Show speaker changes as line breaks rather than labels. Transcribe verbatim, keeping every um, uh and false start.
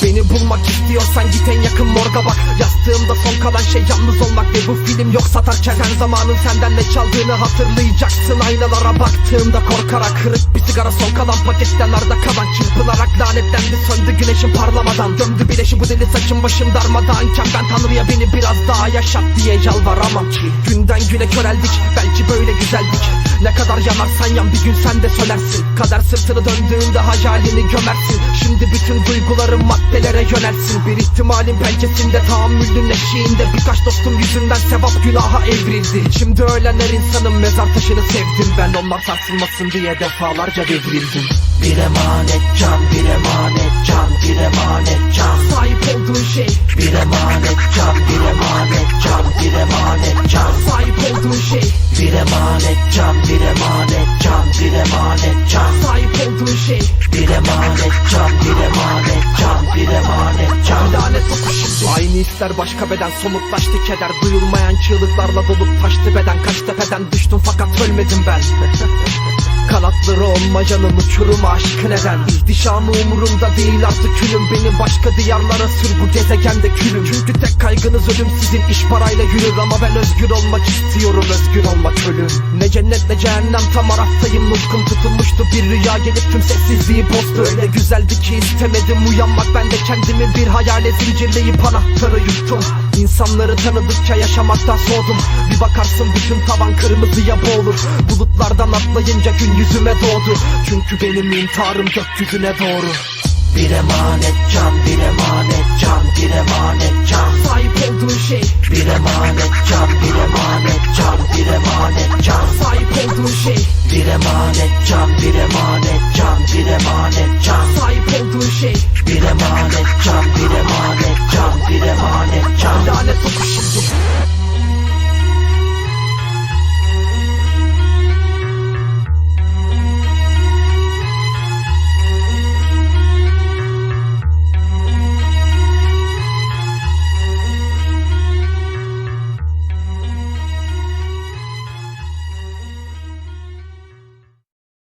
Beni bulmak istiyorsan git en yakın morga bak. Yastığımda son kalan şey yalnız olmak ve bu film yok satarken sen zamanın senden ne çaldığını hatırlayacaksın. Aynalara baktığımda korkarak, kırık bir sigara son kalan paketten arda kalan, çırpınarak lanetlendi söndü güneşin parlamadan. Döndü bileşi bu deli saçım başım darmadağınken ben Tanrı'ya beni biraz daha yaşat diye yalvaramam ki. Günden güne köreldik, belki böyle güzeldik. Ne kadar yanarsan yan bir gün sen de sönersin. Kader sırtını döndüğünde hayalini gömersin. Şimdi bütün duyguların maddelere yönelsin. Bir ihtimalin pençesinde, tahammülün eşiğinde birkaç dostum yüzünden sevap günaha evrildi. Şimdi ölenler insanın mezar taşını sevdim ben. Onlar sarsılmasın diye defalarca devrildim.
Bir emanet can, bir emanet can, bir emanet can.
Sahip olduğun şey
Bir emanet can, bir emanet can, bir emanet can.
Sahip olduğun şey
Bir emanet can, bir emanet can, bir emanet can.
Sahip olduğun şey
Bir emanet can, bir emanet can, bir emanet can.
lanet oku şimdi. Aynı hisler başka beden, somutlaştı keder. Duyulmayan çığlıklarla dolup taştı beden. Kaç tepeden düştüm fakat ölmedim ben. Kanatları olmayanın uçuruma aşkı neden? İhtişamı umurumda değil artık külüm. Beni başka diyarlara sür bu gezegende külüm. Çünkü tek kaygınız ölüm, sizin iş parayla yürür. Ama ben özgür olmak istiyorum, özgür olmak ölüm. Ne cennet ne cehennem, tam araftayım. Nutkum tutulmuştu, bir rüya gelip tüm sessizliği bozdu. Öyle güzeldi ki istemedim uyanmak. Ben de kendimi bir hayale zincirleyip anahtarı yuttum. İnsanları tanıdıkça yaşamaktan soğudum. Bir bakarsın bütün tavan kırmızıya boğulur. Bulutlardan atlayınca gün yüzüme doğdu. Çünkü benim intiharım gökyüzüne doğru.
Bir emanet can, bir emanet can, bir emanet can.
Sahip olduğun şey
Bir emanet can, bir emanet can, bir emanet can.
Sahip olduğun şey
Bir emanet can, bir emanet can, bir emanet can.
Sahip olduğun şey
Bir emanet can, bir emanet